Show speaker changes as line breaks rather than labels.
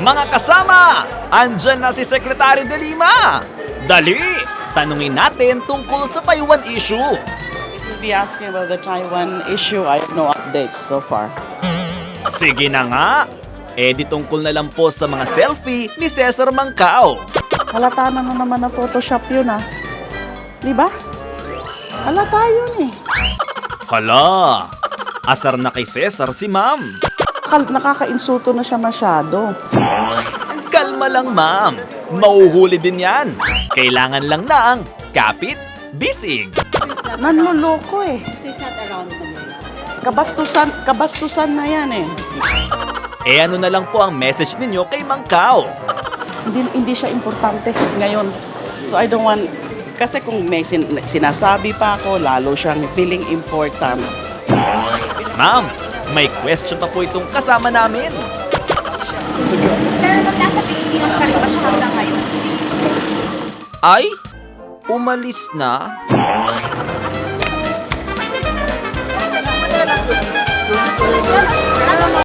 Mga kasama, andyan na si Secretary De Lima. Dali, tanungin natin tungkol sa Taiwan issue.
You'll be asking about the Taiwan issue. I have no updates so far.
Sige na nga. Di tungkol na lang po sa mga selfie ni Cesar Mancao.
Halata na naman na Photoshop yun Di ba? Halata yun
Hala, asar na kay Cesar si ma'am.
Nakaka-insulto na siya masyado.
Kalma lang ma'am, mauhuli din yan. Kailangan lang ng kapit, bisig.
Nanloloko
So it's not around Manila.
Kabastusan na yan
Ano na lang po ang message ninyo kay Mancao?
Hindi siya importante ngayon. So I don't want, kasi kung may sinasabi pa ako, lalo siyang feeling important.
Ma'am, may question pa po itong kasama namin.
Pero pag nasa Pilipinas pa rin ba siya hanggang ngayon?
Ay, umalis na?
Wala.